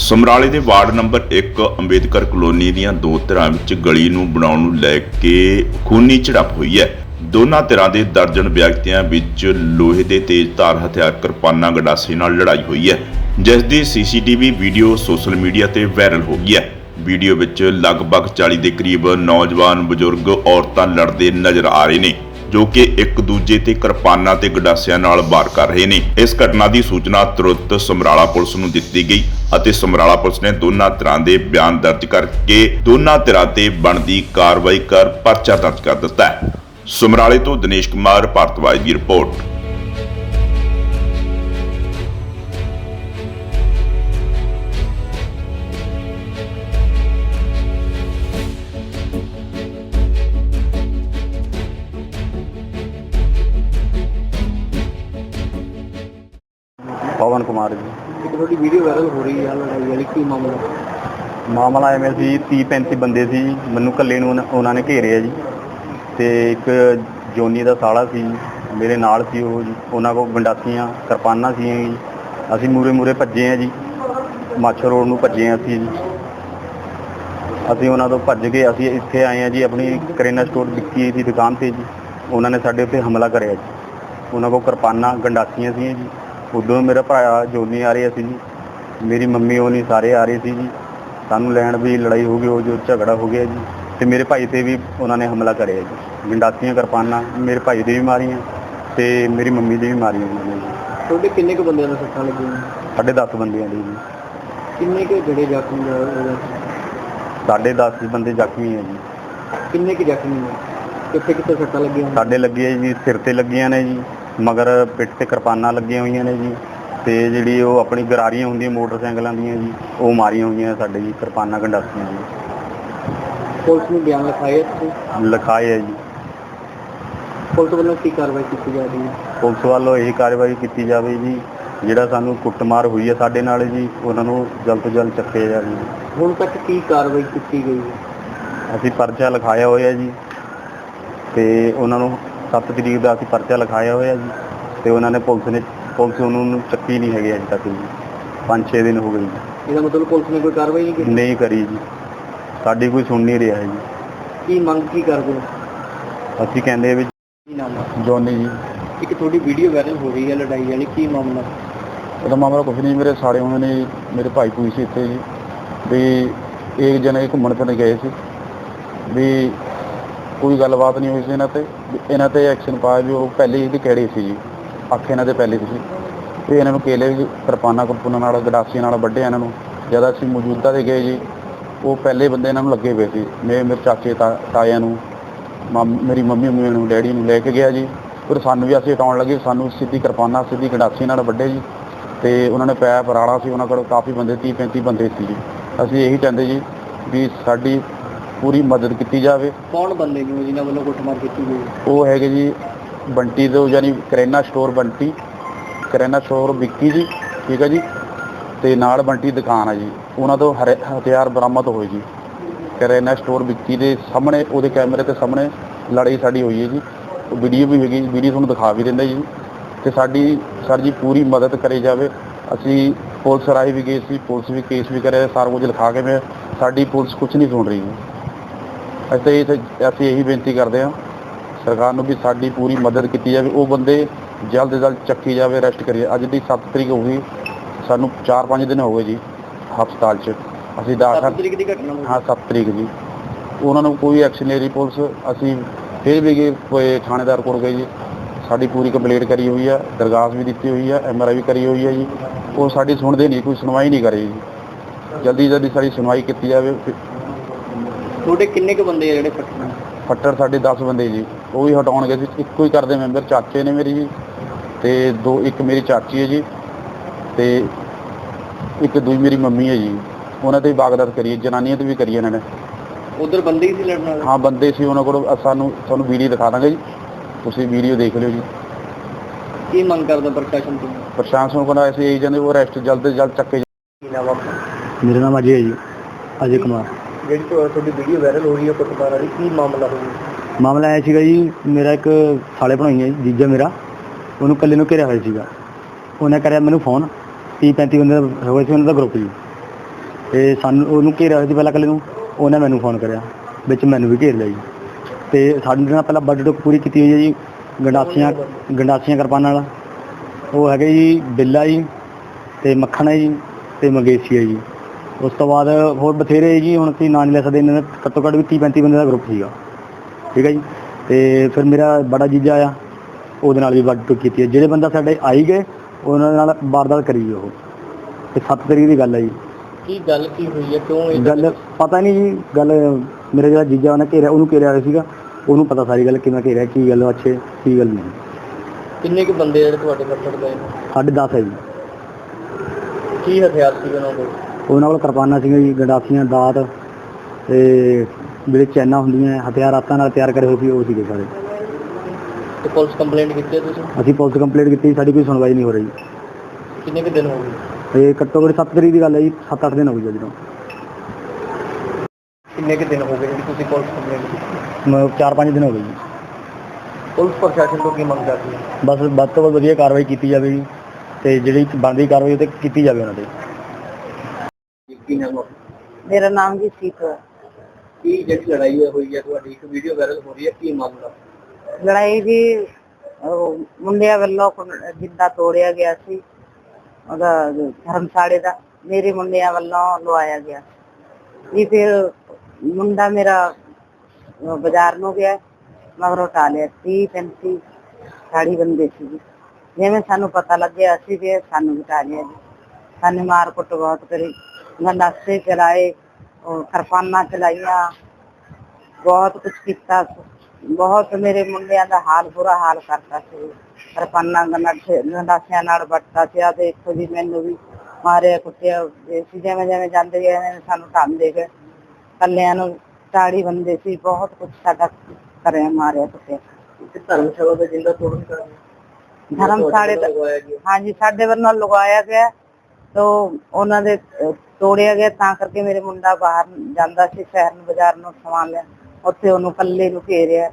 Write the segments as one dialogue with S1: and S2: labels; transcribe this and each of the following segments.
S1: ਸਮਰਾਲੇ ਦੇ ward number 1 Ambedkar colony ਦੀਆਂ ਦੋ ਧਿਰਾਂ ਵਿੱਚ ਗਲੀ ਨੂੰ ਬਣਾਉਣ ਨੂੰ ਲੈ ਕੇ ਖੂਨੀ ਝੜਪ ਹੋਈ ਹੈ। ਦੋਨਾਂ ਧਿਰਾਂ ਦੇ ਦਰਜਨ ਵਿਅਕਤੀਆਂ ਵਿੱਚ ਲੋਹੇ ਦੇ ਤੇਜ਼ਧਾਰ ਹਥਿਆਰ ਕਿਰਪਾਨਾਂ ਗੰਡਾਸੇ ਨਾਲ ਲੜਾਈ ਹੋਈ ਹੈ, ਜਿਸ ਦੀ ਸੀਸੀਟੀਵੀ ਵੀਡੀਓ ਸੋਸ਼ਲ ਮੀਡੀਆ ਤੇ ਵਾਇਰਲ ਹੋ ਗਈ ਹੈ। ਵੀਡੀਓ ਵਿੱਚ ਲਗਭਗ 40 ਦੇ ਕਰੀਬ ਨੌਜਵਾਨ, ਬਜ਼ੁਰਗ, ਔਰਤਾਂ ਲੜਦੇ ਨਜ਼ਰ ਆ ਰਹੇ ਨੇ, ਜੋ ਕਿ ਇੱਕ ਦੂਜੇ ਤੇ ਕਿਰਪਾਨਾਂ ਤੇ ਗੰਡਾਸਿਆਂ ਨਾਲ ਵਾਰ ਕਰ ਰਹੇ ਨੇ। ਇਸ ਘਟਨਾ ਦੀ ਸੂਚਨਾ ਤੁਰੰਤ ਸਮਰਾਲਾ ਪੁਲਿਸ ਨੂੰ ਦਿੱਤੀ ਗਈ ਅਤੇ ਸਮਰਾਲਾ ਪੁਲਿਸ ਨੇ ਦੋਨਾਂ ਧਿਰਾਂ ਦੇ ਬਿਆਨ ਦਰਜ ਕਰਕੇ ਦੋਨਾਂ ਧਿਰਾਂ ਤੇ ਬਣਦੀ ਕਾਰਵਾਈ ਕਰ ਪਰਚਾ ਦਰਜ ਕਰ ਦਿੱਤਾ ਹੈ। ਸਮਰਾਲੇ ਤੋਂ ਦਿਨੇਸ਼ ਕੁਮਾਰ ਭਾਰਤਵਾਜ ਦੀ ਰਿਪੋਰਟ।
S2: पवन कुमार जी।
S3: एक थोड़ी वीडियो वायरल हो रही है लड़ाई वाली, की
S2: ਮਾਮਲਾ ਐਵੇਂ ਸੀ 30-35 ਬੰਦੇ ਸੀ, ਮੈਨੂੰ ਇਕੱਲੇ ਨੂੰ ਉਹਨਾਂ ਨੇ ਘੇਰਿਆ ਜੀ ਤੇ ਇੱਕ ਜੋਨੀ ਦਾ ਸਾਲਾ ਸੀ ਮੇਰੇ ਨਾਲ ਸੀ, ਉਹ ਜੀ ਉਹਨਾਂ ਕੋਲ ਗੰਡਾਸੀਆਂ ਕਿਰਪਾਨਾਂ ਸੀ ਜੀ। ਅਸੀਂ ਮੂਰੇ ਭੱਜੇ ਆ ਜੀ, ਮਾਛਰ ਰੋਡ ਨੂੰ ਭੱਜੇ ਆ ਅਸੀਂ ਜੀ। ਅਸੀਂ ਉਹਨਾਂ ਤੋਂ ਭੱਜ ਕੇ ਅਸੀਂ ਇੱਥੇ ਆਏ ਆ ਜੀ, ਆਪਣੀ ਕਰਿਆਨਾ ਸਟੋਰ ਵਿੱਕੀ ਦੀ ਦੁਕਾਨ 'ਤੇ ਜੀ। ਉਹਨਾਂ ਨੇ ਸਾਡੇ ਉੱਤੇ ਹਮਲਾ ਕਰਿਆ ਜੀ, ਉਹਨਾਂ ਕੋਲ ਕਿਰਪਾਨਾਂ ਗੰਡਾਸੀਆਂ ਸੀ ਜੀ। ਉਦੋਂ ਮੇਰਾ ਭਰਾ ਜੋਨੀ ਆ ਰਿਹਾ ਸੀ ਜੀ, ਮੇਰੀ ਮੰਮੀ ਉਹ ਨਹੀਂ ਸਾਰੇ ਆ ਰਹੇ ਸੀ ਜੀ। ਸਾਨੂੰ ਲੈਣ ਵੀ ਲੜਾਈ ਹੋ ਗਈ, ਉਹ ਜੋ ਝਗੜਾ ਹੋ ਗਿਆ ਜੀ। ਅਤੇ ਮੇਰੇ ਭਾਈ 'ਤੇ ਵੀ ਉਹਨਾਂ ਨੇ ਹਮਲਾ ਕਰਿਆ ਜੀ, ਗੰਡਾਸੀਆਂ ਕਿਰਪਾਨਾਂ ਮੇਰੇ ਭਾਈ ਦੇ ਵੀ ਮਾਰੀਆਂ ਅਤੇ ਮੇਰੀ ਮੰਮੀ ਦੇ ਵੀ ਮਾਰੀਆਂ ਉਹਨਾਂ ਨੇ ਜੀ।
S3: ਤੁਹਾਡੇ ਕਿੰਨੇ ਕੁ ਬੰਦਿਆਂ ਨੂੰ ਸੱਟਾਂ ਲੱਗੀਆਂ?
S2: ਸਾਢੇ 10 ਬੰਦਿਆਂ ਦੀ ਜੀ।
S3: ਕਿੰਨੇ ਕੁ ਜਿਹੜੇ ਜ਼ਖਮੀ ਹੋਏ?
S2: ਸਾਢੇ 10 ਬੰਦੇ ਜ਼ਖਮੀ ਹੈ ਜੀ।
S3: ਕਿੰਨੇ ਕੁ ਜ਼ਖਮੀ ਨੇ? ਕਿੱਥੇ ਕਿੱਥੇ ਸੱਟਾਂ ਲੱਗੀਆਂ?
S2: ਸਾਡੇ ਲੱਗੇ ਜੀ, ਸਿਰ 'ਤੇ ਲੱਗੀਆਂ ਨੇ ਜੀ, ਮਗਰ ਪਿੱਠ 'ਤੇ ਕਿਰਪਾਨਾਂ ਲੱਗੀਆਂ ਹੋਈਆਂ ਨੇ ਜੀ, ਅਤੇ ਜਿਹੜੀ ਉਹ ਆਪਣੀ ਗਰਾਰੀਆਂ ਹੁੰਦੀਆਂ ਮੋਟਰਸਾਈਕਲਾਂ ਦੀਆਂ ਜੀ, ਉਹ ਮਾਰੀਆਂ ਹੋਈਆਂ ਸਾਡੇ ਜੀ, ਕਿਰਪਾਨਾਂ ਗੰਡਾਸੀਆਂ ਜੀ।
S3: ਪੁਲਿਸ ਨੂੰ ਬਿਆਨ ਲਿਖਾਏ ਤੁਸੀਂ?
S2: ਲਿਖਾਏ ਹੈ ਜੀ।
S3: ਪੁਲਿਸ ਵੱਲੋਂ ਕੀ ਕਾਰਵਾਈ ਕੀਤੀ ਜਾ ਰਹੀ ਹੈ?
S2: ਪੁਲਿਸ ਵੱਲੋਂ ਇਹ ਕਾਰਵਾਈ ਕੀਤੀ ਜਾਵੇ ਜੀ, ਜਿਹੜਾ ਸਾਨੂੰ ਕੁੱਟਮਾਰ ਹੋਈ ਹੈ ਸਾਡੇ ਨਾਲ ਜੀ, ਉਹਨਾਂ ਨੂੰ ਜਲਦ ਤੋਂ ਜਲਦ ਚੱਕਿਆ ਜਾਵੇ।
S3: ਹੁਣ ਤੱਕ ਕੀ ਕਾਰਵਾਈ ਕੀਤੀ ਗਈ ਹੈ?
S2: ਅਸੀਂ ਪਰਚਾ ਲਿਖਾਇਆ ਹੋਇਆ ਜੀ, ਅਤੇ ਉਹਨਾਂ ਨੂੰ 7 ਤਰੀਕ ਦਾ ਅਸੀਂ ਪਰਚਾ ਲਿਖਾਇਆ ਹੋਇਆ ਜੀ, ਅਤੇ ਉਹਨਾਂ ਨੇ ਪੁਲਿਸ ਉਹਨਾਂ ਨੂੰ ਚੱਕੀ ਨਹੀਂ ਹੈਗੀ ਅਜੇ ਤੱਕ ਜੀ। 5-6 ਦਿਨ ਹੋ ਗਏ ਜੀ।
S3: ਇਹਦਾ ਮਤਲਬ ਪੁਲਿਸ ਨੇ ਕੋਈ ਕਾਰਵਾਈ ਨਹੀਂ ਕੀਤੀ?
S2: ਨਹੀਂ ਕਰੀ ਜੀ, ਸਾਡੀ ਕੋਈ ਸੁਣ ਨਹੀਂ ਰਿਹਾ ਜੀ।
S3: ਕੀ ਮੰਗ ਕੀ ਕਰਦੇ ਹੋ?
S2: ਅਸੀਂ ਕਹਿੰਦੇ ਵੀ
S3: ਕੀ ਨਾਮ ਹੈ?
S2: ਜੋਨੀ ਜੀ।
S3: ਇੱਕ ਤੁਹਾਡੀ ਵੀਡੀਓ ਵਾਇਰਲ ਹੋ ਰਹੀ ਹੈ ਲੜਾਈ ਵਾਲੀ, ਕੀ ਮਾਮਲਾ?
S2: ਉਹਦਾ ਮਾਮਲਾ ਕੁਛ ਨਹੀਂ, ਮੇਰੇ ਸਾਲੇ ਹੋਣੇ ਨੇ, ਮੇਰੇ ਭਾਈ ਭੂਈ ਸੀ ਇੱਥੇ ਜੀ, ਵੀ ਇੱਕ ਜਣੇ ਘੁੰਮਣ ਫਿਰਨ ਗਏ ਸੀ, ਵੀ ਕੋਈ ਗੱਲਬਾਤ ਨਹੀਂ ਹੋਈ ਸੀ ਇਹਨਾਂ 'ਤੇ ਐਕਸ਼ਨ ਪਾਇਆ ਵੀ ਉਹ ਪਹਿਲੇ ਇਹਦੀ ਕਿਹੜੇ ਸੀ ਜੀ, ਅੱਖ ਇਹਨਾਂ ਦੇ ਪਹਿਲੇ ਸੀ, ਅਤੇ ਇਹਨਾਂ ਨੂੰ ਕੇਲੇ ਕਿਰਪਾਨਾਂ ਨਾਲ ਗੰਡਾਸੀਆਂ ਨਾਲ ਵੱਢਿਆ ਇਹਨਾਂ ਨੂੰ। ਜਦ ਅਸੀਂ ਮੌਜੂਦਾ 'ਤੇ ਗਏ ਜੀ, ਉਹ ਪਹਿਲੇ ਬੰਦੇ ਇਹਨਾਂ ਨੂੰ ਲੱਗੇ ਪਏ ਸੀ। ਮੇਰੇ ਚਾਚੇ ਤਾਇਆਂ ਨੂੰ, ਮੇਰੀ ਮੰਮੀ ਨੂੰ, ਡੈਡੀ ਨੂੰ ਲੈ ਕੇ ਗਿਆ ਜੀ। ਫਿਰ ਸਾਨੂੰ ਵੀ ਅਸੀਂ ਹਟਾਉਣ ਲੱਗੇ, ਸਾਨੂੰ ਸਿੱਧੀ ਕਿਰਪਾਨਾਂ ਸਿੱਧੀ ਗੰਡਾਸੀਆਂ ਨਾਲ ਵੱਢੇ ਜੀ, ਅਤੇ ਉਹਨਾਂ ਨੇ ਪੈਪ ਰਾੜਾ ਸੀ, ਉਹਨਾਂ ਕੋਲ ਕਾਫੀ ਬੰਦੇ 30-35 ਬੰਦੇ ਸੀ ਜੀ। ਅਸੀਂ ਇਹੀ ਚਾਹੁੰਦੇ ਜੀ ਵੀ ਸਾਡੀ ਪੂਰੀ ਮਦਦ ਕੀਤੀ ਜਾਵੇ।
S3: ਕੌਣ ਬੰਦੇ ਨੇ ਜਿਨ੍ਹਾਂ ਵੱਲੋਂ ਕੁੱਟਮਾਰ ਕੀਤੀ ਗਈ?
S2: ਉਹ ਹੈਗੇ ਜੀ ਬੰਟੀ ਤੋਂ, ਯਾਨੀ ਕਰਿਆਨਾ ਸਟੋਰ ਬੰਟੀ, ਕਰਿਆਨਾ ਸਟੋਰ ਵਿੱਕੀ ਜੀ, ਠੀਕ ਹੈ ਜੀ, ਅਤੇ ਨਾਲ ਬੰਟੀ ਦੁਕਾਨ ਆ ਜੀ, ਉਹਨਾਂ ਤੋਂ ਹਥਿਆਰ ਬਰਾਮਦ ਹੋਏ ਜੀ। ਕਰਿਆਨਾ ਸਟੋਰ ਵਿੱਕੀ ਦੇ ਸਾਹਮਣੇ, ਉਹਦੇ ਕੈਮਰੇ ਦੇ ਸਾਹਮਣੇ ਲੜਾਈ ਸਾਡੀ ਹੋਈ ਹੈ ਜੀ। ਵੀਡੀਓ ਵੀ ਹੈਗੀ, ਵੀਡੀਓ ਤੁਹਾਨੂੰ ਦਿਖਾ ਵੀ ਦਿੰਦਾ ਜੀ। ਅਤੇ ਸਾਡੀ ਸਰ ਜੀ ਪੂਰੀ ਮਦਦ ਕਰੀ ਜਾਵੇ। ਅਸੀਂ ਪੁਲਿਸ ਰਾਹੀਂ ਵੀ ਗਏ ਸੀ, ਪੁਲਿਸ ਵੀ ਕੇਸ ਵੀ ਕਰਿਆ, ਸਾਰਾ ਕੁਝ ਲਿਖਾ ਕੇ ਸਾਡੀ ਪੁਲਿਸ ਕੁਛ ਨਹੀਂ ਸੁਣ ਰਹੀ ਜੀ। ਅਸੀਂ ਇਹੀ ਬੇਨਤੀ ਕਰਦੇ ਹਾਂ ਸਰਕਾਰ ਨੂੰ ਵੀ ਸਾਡੀ ਪੂਰੀ ਮਦਦ ਕੀਤੀ ਜਾਵੇ, ਉਹ ਬੰਦੇ ਜਲਦ ਤੋਂ ਜਲਦ ਚੱਕੀ ਜਾਵੇ, ਅਰੈਸਟ ਕਰੀਏ। ਅੱਜ ਦੀ 7 ਤਰੀਕ ਹੋ ਗਈ, ਸਾਨੂੰ 4-5 ਦਿਨ ਹੋ ਗਏ ਜੀ ਹਸਪਤਾਲ 'ਚ। ਅਸੀਂ
S3: 7 ਤਰੀਕ ਦੀ ਘਟਨਾ?
S2: ਹਾਂ, 7 ਤਰੀਕ ਜੀ। ਉਹਨਾਂ ਨੂੰ ਕੋਈ ਐਕਸ਼ਨ ਨਹੀਂ ਰਹੀ ਪੁਲਿਸ। ਅਸੀਂ ਫਿਰ ਵੀ ਗਏ, ਕੋਈ ਥਾਣੇਦਾਰ ਕੋਲ ਗਏ ਜੀ, ਸਾਡੀ ਪੂਰੀ ਕੰਪਲੇਂਟ ਕਰੀ ਹੋਈ ਆ, ਦਰਖਾਸਤ ਵੀ ਦਿੱਤੀ ਹੋਈ ਆ, MRI ਵੀ ਕਰੀ ਹੋਈ ਹੈ ਜੀ। ਉਹ ਸਾਡੀ ਸੁਣਦੇ ਨਹੀਂ, ਕੋਈ ਸੁਣਵਾਈ ਨਹੀਂ ਕਰੀ ਜੀ। ਜਲਦੀ ਸਾਡੀ ਸੁਣਵਾਈ ਕੀਤੀ ਜਾਵੇ।
S3: ਤੁਹਾਡੇ ਕਿੰਨੇ ਕੁ ਬੰਦੇ ਆ ਜਿਹੜੇ
S2: ਫੱਟੜ? ਸਾਡੇ 10 ਬੰਦੇ ਜੀ, ਉਹ ਵੀ ਹਟਾਉਣ ਗਏ ਸੀ। ਇੱਕੋ ਹੀ ਕਰਦੇ ਮੈਂਬਰ ਚਾਚੇ ਨੇ ਮੇਰੀ ਜੀ, ਅਤੇ ਇੱਕ ਮੇਰੀ ਚਾਚੀ ਹੈ ਜੀ, ਅਤੇ ਇੱਕ ਦੂਜੀ ਮੇਰੀ ਮੰਮੀ ਹੈ ਜੀ। ਉਹਨਾਂ 'ਤੇ ਵੀ ਵਾਰਦਾਤ ਕਰੀ, ਜਨਾਨੀਆਂ 'ਤੇ ਵੀ ਕਰੀ ਇਹਨਾਂ ਨੇ।
S3: ਉੱਧਰ ਬੰਦੇ ਹੀ ਸੀ ਲੜਨ ਵਾਲੇ?
S2: ਹਾਂ, ਬੰਦੇ ਸੀ ਉਹਨਾਂ ਕੋਲ। ਤੁਹਾਨੂੰ ਵੀਡੀਓ ਦਿਖਾ ਦਾਂਗੇ ਜੀ, ਤੁਸੀਂ ਵੀਡੀਓ ਦੇਖ ਲਿਓ ਜੀ।
S3: ਕੀ ਮੰਗ ਕਰਦੇ ਪ੍ਰਸ਼ਾਸਨ ਤੋਂ?
S2: ਪ੍ਰਸ਼ਾਸਨ ਕੋਲ ਅਸੀਂ ਇਹੀ ਚਾਹੁੰਦੇ ਉਹ ਅਰੈਸਟ ਜਲਦ ਤੋਂ ਜਲਦ ਚੱਕੇ। ਮੇਰਾ ਨਾਮ ਅਜੇ ਕੁਮਾਰ।
S3: ਜਿਹੜੀ ਤੁਹਾਡੀ ਵੀਡੀਓ ਵਾਇਰਲ ਹੋ ਰਹੀ ਹੈ ਕੁੱਟਮਾਰ ਵਾਲੀ, ਕੀ ਮਾਮਲਾ ਹੋਇਆ?
S2: ਮਾਮਲਾ ਆਇਆ ਸੀਗਾ ਜੀ, ਮੇਰਾ ਇੱਕ ਸਾਲੇ ਬਣਾਈ ਹੈ ਜੀਜਾ ਮੇਰਾ, ਉਹਨੂੰ ਇਕੱਲੇ ਨੂੰ ਘੇਰਿਆ ਹੋਇਆ ਸੀਗਾ। ਉਹਨੇ ਕਰਿਆ ਮੈਨੂੰ ਫੋਨ, 30-35 ਬੰਦੇ ਹੋਏ ਸੀ ਉਹਨਾਂ ਦਾ ਗਰੁੱਪ ਜੀ, ਤੇ ਸਾਨੂੰ ਉਹਨੂੰ ਘੇਰਿਆ ਸੀ ਪਹਿਲਾਂ ਇਕੱਲੇ ਨੂੰ, ਉਹਨੇ ਮੈਨੂੰ ਫੋਨ ਕਰਿਆ, ਵਿੱਚ ਮੈਨੂੰ ਵੀ ਘੇਰ ਲਿਆ ਜੀ। ਤੇ ਸਾਡੇ ਨਾਲ ਪਹਿਲਾਂ ਵੱਡ ਟੁੱਕ ਪੂਰੀ ਕੀਤੀ ਹੋਈ ਹੈ ਜੀ, ਗੰਡਾਸੀਆਂ ਕਿਰਪਾਨਾਂ ਨਾਲ। ਉਹ ਹੈਗੇ ਜੀ ਬਿੱਲਾ ਜੀ, ਤੇ ਮੱਖਣ ਹੈ ਜੀ, ਤੇ ਮੰਗੇਸ਼ੀ ਹੈ ਜੀ। ਉਸ ਤੋਂ ਬਾਅਦ ਹੋਰ ਬਥੇਰੇ ਜੀ, ਹੁਣ ਅਸੀਂ ਨਾਂ ਨਹੀਂ ਲੈ ਸਕਦੇ, ਇਹਨਾਂ ਦਾ ਘੱਟੋ ਘੱਟ ਵੀ 30-35 ਬੰਦੇ ਦਾ ਗਰੁੱਪ ਸੀਗਾ, ਠੀਕ ਹੈ ਜੀ। ਤੇ ਫਿਰ ਮੇਰਾ ਬੜਾ ਜੀਜਾ ਆਇਆ, ਉਹਦੇ ਨਾਲ ਵੀ ਵੱਡ ਟੁੱਕ ਕੀਤੀ ਹੈ। ਜਿਹੜੇ ਬੰਦਾ ਸਾਡੇ ਆਈ ਗਏ ਉਹਨਾਂ ਨਾਲ ਵਾਰਦਾਤ ਕਰੀ ਜੀ ਉਹ। ਤੇ 7 ਤਰੀਕ ਦੀ ਗੱਲ ਹੈ ਜੀ।
S3: ਕੀ ਗੱਲ ਕੀ ਹੋਈ ਹੈ, ਕਿਉਂ ਇਹ
S2: ਗੱਲ ਪਤਾ ਨਹੀਂ ਜੀ, ਗੱਲ ਮੇਰੇ ਜਿਹੜਾ ਜੀਜਾ ਉਹਨੇ ਘੇਰਿਆ, ਉਹਨੂੰ ਘੇਰਿਆ ਹੋਇਆ ਸੀਗਾ, ਉਹਨੂੰ ਪਤਾ ਸਾਰੀ ਗੱਲ ਕਿਵੇਂ ਘੇਰਿਆ, ਕੀ ਗੱਲ ਅੱਛੇ ਕੀ ਗੱਲ ਨਹੀਂ।
S3: ਕਿੰਨੇ ਕੁ ਬੰਦੇ ਜਿਹੜੇ ਤੁਹਾਡੇ ਕੱਟੜ ਗਏ ਨੇ?
S2: ਸਾਢੇ 10 ਹੈ ਜੀ।
S3: ਕੀ ਹਥਿਆਰ ਸੀ ਉਹਨਾਂ ਕੋਲ?
S2: ਉਹਨਾਂ ਕੋਲ ਕਿਰਪਾਨਾਂ ਸੀਗੀਆਂ ਜੀ, ਗੰਡਾਸੀਆਂ, ਦਾਤ, ਤੇ ਜਿਹੜੇ ਚੈਨਾਂ ਹੁੰਦੀਆਂ ਹਥਿਆਰ ਹੱਥਾਂ ਨਾਲ ਤਿਆਰ ਕਰੇ ਹੋਏ ਸੀ, ਉਹ ਸੀਗੇ ਸਾਰੇ।
S3: ਤੇ ਪੁਲਿਸ ਕੰਪਲੇਂਟ ਕੀਤੀ ਹੈ ਤੁਸੀਂ?
S2: ਅਸੀਂ ਪੁਲਿਸ ਕੰਪਲੇਂਟ ਕੀਤੀ, ਸਾਡੀ ਕੋਈ ਸੁਣਵਾਈ ਨਹੀਂ ਹੋ ਰਹੀ।
S3: ਕਿੰਨੇ ਕੁ ਦਿਨ ਹੋ ਗਏ?
S2: ਇਹ ਘੱਟੋ ਘੱਟ 7 ਤਰੀਕ ਦੀ ਗੱਲ ਹੈ ਜੀ, 7-8 ਦਿਨ ਹੋ ਗਏ ਜਦੋਂ।
S3: ਕਿੰਨੇ ਕੁ ਦਿਨ ਹੋ ਗਏ ਜਿਹੜੀ ਤੁਸੀਂ ਪੁਲਿਸ ਕੰਪਲੇਂਟ ਕੀਤੀ?
S2: 4-5 ਦਿਨ ਹੋ ਗਏ ਜੀ।
S3: ਪੁਲਿਸ ਪ੍ਰਸ਼ਾਸਨ ਤੋਂ ਕੀ ਮੰਗ ਕਰਦੀ ਹੈ?
S2: ਬਸ ਵੱਧ ਤੋਂ ਵੱਧ ਵਧੀਆ ਕਾਰਵਾਈ ਕੀਤੀ ਜਾਵੇ ਜੀ, ਤੇ ਜਿਹੜੀ ਬਣਦੀ ਕਾਰਵਾਈ ਉਹ 'ਤੇ ਕੀਤੀ ਜਾਵੇ ਉਹਨਾਂ 'ਤੇ।
S3: ਕੀ ਨਾਮ ਹੈ?
S4: ਮੇਰਾ ਨਾਮ ਜੀ ਸੀਤ ਹੈ।
S3: ਕੀ ਜਿਹੜੀ ਲੜਾਈ ਹੋਈ ਹੈ ਤੁਹਾਡੀ, ਇੱਕ ਵੀਡੀਓ ਵਾਇਰਲ ਹੋ ਰਹੀ ਹੈ, ਕੀ ਮਾਮਲਾ?
S4: ਲੜਾਈ ਜੀ ਮੁੰਡਿਆਂ ਵੱਲੋਂ ਜਿੱਦਾਂ ਤੋੜਿਆ ਗਿਆ ਸੀ ਉਹਦਾ ਧਰਮਸ਼ਾਲੇ ਦਾ, ਮੇਰੇ ਮੁੰਡਿਆਂ ਵੱਲੋਂ ਲਵਾਇਆ ਗਿਆ ਜੀ। ਫਿਰ ਮੁੰਡਾ ਮੇਰਾ ਬਾਜ਼ਾਰ ਨੂੰ ਗਿਆ, ਮਗਰੋਂ ਟਾਲਿਆ 30-35 ਸਾੜੀ ਬੰਦੇ ਸੀ ਜੀ। ਜਿਵੇਂ ਸਾਨੂੰ ਪਤਾ ਲੱਗਿਆ ਅਸੀਂ ਵੀ ਸਾਨੂੰ ਵੀ ਟਾਲਿਆ ਜੀ। ਸਾਨੂੰ ਮਾਰ ਕੁੱਟ ਬਹੁਤ ਕਰੀ, ਗੰਡਾਸੇ ਚਲਾਏ, ਕਿਰਪਾਨਾਂ ਚਲਾਈਆਂ, ਬਹੁਤ ਕੁਛ ਕੀਤਾ। ਬਹੁਤ ਮੇਰੇ ਮੁੰਡਿਆਂ ਦਾ ਹਾਲ ਬੁਰਾ ਹਾਲ ਕਰਤਾ ਸੀ। ਕਿਰਪਾਨਾਂ ਗੰਡਾਸਿਆਂ ਨਾਲ ਵੱਟਦਾ ਸੀ। ਆ ਦੇਖੋ ਜੀ, ਮੈਨੂੰ ਵੀ ਮਾਰਿਆ ਕੁੱਟਿਆ ਸੀ। ਜਿਵੇਂ ਜਿਵੇਂ ਜਾਂਦੇ ਗਏ ਸਾਨੂੰ ਢਾਂਦੇ ਗਏ, ਕੱਲਿਆਂ ਨੂੰ ਸਾੜੀ ਬੰਦੇ ਸੀ, ਬਹੁਤ ਕੁਛ ਸਾਡਾ ਕਰਿਆ, ਮਾਰਿਆ ਕੁੱਟਿਆ।
S3: ਧਰਮਸ਼ਾਲਾ ਦਾ ਜਿੰਦਾ ਤੋੜਨ ਕਰ
S4: ਧਰਮਸ਼ਾਲੇ ਦਾ ਹਾਂਜੀ ਸਾਡੇ ਵੱਲੋਂ ਲਗਾਇਆ ਗਿਆ, ਤਾਂ ਉਹਨਾਂ ਦੇ ਤੋੜਿਆ ਗਿਆ। ਤਾਂ ਕਰਕੇ ਮੇਰੇ ਮੁੰਡਾ ਬਾਹਰ ਜਾਂਦਾ ਸੀ ਸ਼ਹਿਰ ਨੂੰ, ਬਾਜ਼ਾਰ ਨੂੰ ਸਮਾਨ ਲਿਆ, ਉੱਥੇ ਉਹਨੂੰ ਕੱਲੇ ਨੂੰ ਘੇਰਿਆ।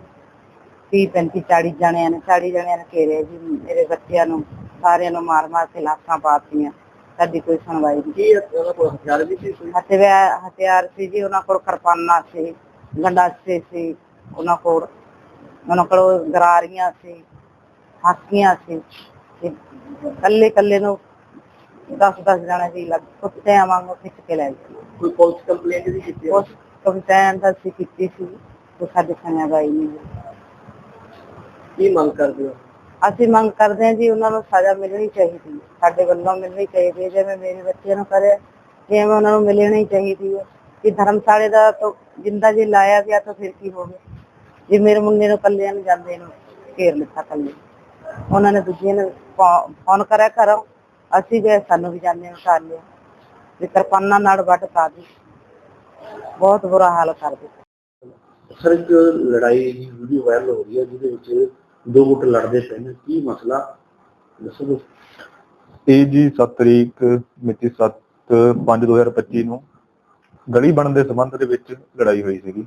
S4: 30-35 ਜਣਿਆਂ ਨੇ ਘੇਰਿਆ ਜੀ। ਮੇਰੇ ਬੱਚਿਆਂ ਨੂੰ ਸਾਰਿਆਂ ਨੂੰ ਮਾਰ ਮਾਰ ਕੇ ਲਾਸ਼ਾਂ ਪਾਤੀਆਂ। ਸਾਡੀ ਕੋਈ ਸੁਣਵਾਈ ਨਹੀਂ।
S3: ਉਹਨਾਂ ਕੋਲ ਹਥਿਆਰ ਵੀ ਸੀ?
S4: ਹਥਿਆਰ ਸੀ ਜੀ ਉਹਨਾਂ ਕੋਲ, ਕਿਰਪਾਨਾਂ ਸੀ, ਗੰਡਾਸੇ ਸੀ ਉਹਨਾਂ ਕੋਲ ਗਰਾਰੀਆਂ ਸੀ, ਹਾਕੀਆਂ ਸੀ। ਕੱਲੇ ਨੂੰ 10-10 ਜਣੇ ਸੀ ਕੁੱਤਿਆਂ ਵਾਂਗੂ ਖਿੱਚ ਕੇ ਲੈ ਗਏ।
S3: ਕੋਈ ਪੁਲਿਸ ਕੰਪਲੇਂਟ ਵੀ ਕੀਤੀ?
S4: ਉਸ ਕੰਪਲੇਂਟ ਅਸੀਂ ਕੀਤੀ ਸੀ, ਉਹ ਸਾਡੇ ਸੁਣਵਾਈ ਨਹੀਂ ਹੋਈ।
S3: ਕੀ ਮੰਗ ਕਰਦੇ ਹੋ?
S4: ਅਸੀਂ ਮੰਗ ਕਰਦੇ ਹਾਂ ਜੀ, ਉਹਨਾਂ ਨੂੰ ਸਜ਼ਾ ਮਿਲਣੀ ਚਾਹੀਦੀ, ਸਾਡੇ ਵੱਲੋਂ ਮਿਲਣੀ ਚਾਹੀਦੀ ਹੈ। ਜਿਵੇਂ ਮੇਰੇ ਬੱਚਿਆਂ ਨੂੰ ਕਰੇ, ਜਿਵੇਂ ਉਹਨਾਂ ਨੂੰ ਮਿਲਣੀ ਚਾਹੀਦੀ ਹੈ। ਕਿ ਧਰਮਸ਼ਾਲੇ ਦਾ ਤਾਂ ਜਿੰਦਾ ਜੇ ਲਾਇਆ ਗਿਆ ਤਾਂ ਫਿਰ ਕੀ ਹੋ ਗਿਆ ਜੇ ਮੇਰੇ ਮੁੰਡੇ ਨੂੰ ਕੱਲਿਆਂ ਨੂੰ ਜਾਂਦੇ ਨੂੰ ਘੇਰ ਲਿੱਤਾ ਕੱਲੇ। ਉਹਨਾਂ ਨੇ ਦੂਜੀਆਂ ਨੂੰ ਫੋਨ ਕਰਿਆ ਘਰੋਂ, ਅਸੀਂ ਗਏ, ਸਾਨੂੰ ਵੀ ਜਾਂਦੇ ਨੂੰ ਕਰ ਲਿਆ ਵੀ ਕਿਰਪਾਨਾਂ ਨਾਲ ਵੱਢ ਪਾ ਦੀ, ਬਹੁਤ ਬੁਰਾ ਹਾਲ ਕਰ ਦਿੱਤਾ।
S3: ਸਰ, ਇੱਕ ਲੜਾਈ ਦੀ ਵੀਡੀਓ ਵਾਇਰਲ ਹੋ ਰਹੀ ਹੈ ਜਿਹਦੇ ਵਿੱਚ 2 ਗੁੱਟ ਲੜਦੇ ਪਏ ਨੇ, ਕੀ ਮਸਲਾ ਦੱਸੋ?
S5: ਇਹ ਜੀ 7 ਤਰੀਕ ਮਿਤੀ 7/5/2025 ਨੂੰ ਗਲੀ ਬਣਨ ਦੇ ਸੰਬੰਧ ਦੇ ਵਿੱਚ ਲੜਾਈ ਹੋਈ ਸੀਗੀ,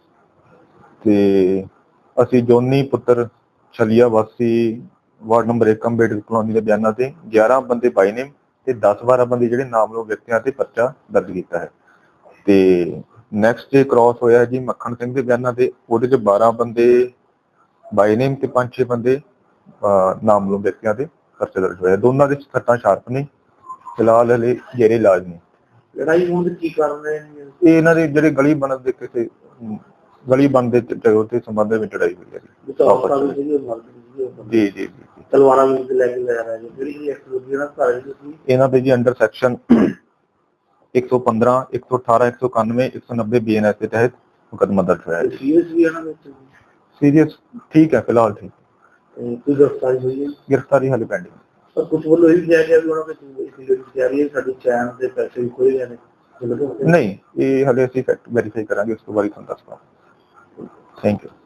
S5: ਤੇ ਅਸੀਂ ਜੋਨੀ ਪੁੱਤਰ ਛਲੀਆ ਵਾਸੀ ਵਾਰਡ ਨੰਬਰ 1 ਅੰਬੇਡਕਰ ਕਲੋਨੀ ਦੇ ਬਿਆਨਾਂ ਤੇ 11 ਬੰਦੇ ਬਾਈ ਨੇਮ ਤੇ 10-12 ਬੰਦੇ ਜਿਹੜੇ ਨਾਮਲੋ ਵਿਅਕਤੀਆਂ ਤੇ ਪਰਚਾ ਦਰਜ ਕੀਤਾ ਹੈ। ਤੇ ਨੈਕਸਟ ਡੇ ਕ੍ਰਾਸ ਹੋਇਆ ਜੀ ਮੱਖਣ ਸਿੰਘ ਦੇ ਬਿਆਨਾਂ ਤੇ, ਉਹਦੇ ਚ 12 ਬੰਦੇ ਬਾਈ ਨੇਮ ਤੇ 5-6 ਬੰਦੇ ਨਾਮਲੋ ਵਿਅਕਤੀਆਂ ਤੇ ਪਰਚਾ ਦਰਜ ਹੋਇਆ। ਦੋਨਾਂ ਦੇ ਸੱਟਾਂ ਸ਼ਾਰਪ ਨੇ, ਫਿਲਹਾਲ ਹਲੇ ਜੇਰੇ ਇਲਾਜ ਨੇ।
S3: ਲੜਾਈ ਹੋਣ ਦੇ ਕੀ ਕਾਰਨ ਹੈ?
S5: ਇਹ ਇਹਨਾਂ ਦੇ ਜਿਹੜੇ ਗਲੀ ਬਣਨ ਦੇ ਕਿਸੇ ਗਲੀ ਬਣਦੇ ਤੇ ਸੰਬੰਧ ਵਿੱਚ ਲੜਾਈ ਹੋਈ ਹੈ ਜੀ। ਜੀ
S3: ਤਲਵਾਰਾਂ ਵੀ ਲੈ ਕੇ ਜਾ ਰਹੇ ਜਿਹੜੀ
S5: ਇਹਨਾਂ ਦੇ ਜੀ ਅੰਡਰ ਸੈਕਸ਼ਨ 115, 118, 191, 190 BNS ਦੇ ਤਹਿਤ ਮੁਕੱਦਮਾ ਦਰਜ ਹੋਇਆ ਹੈ। ਸੀਰੀਅਸ ਠੀਕ ਹੈ, ਫਿਲਹਾਲ ਠੀਕ।
S3: ਕੋਈ ਗ੍ਰਿਫਤਾਰੀ ਹੋਈ ਹੈ?
S5: ਗ੍ਰਿਫਤਾਰੀ ਹਾਲੇ ਪੈਂਡਿੰਗ।
S3: ਪਰ ਕੁਝ ਵੱਲੋਂ ਇਹ ਵੀ ਕਿਹਾ ਗਿਆ ਵੀ ਉਹਨਾਂ ਵਿੱਚ ਸਾਡੀ ਚੈਨ ਦੇ ਪੈਸੇ ਵੀ ਖੋਏ ਗਏ ਨੇ।
S5: ਨਹੀਂ, ਇਹ ਹਾਲੇ ਅਸੀਂ ਫੈਕਟ ਵੈਰੀਫਾਈ ਕਰਾਂਗੇ, ਉਸ ਤੋਂ ਬਾਅਦ ਤੁਹਾਨੂੰ ਦੱਸਦਾ। Thank you.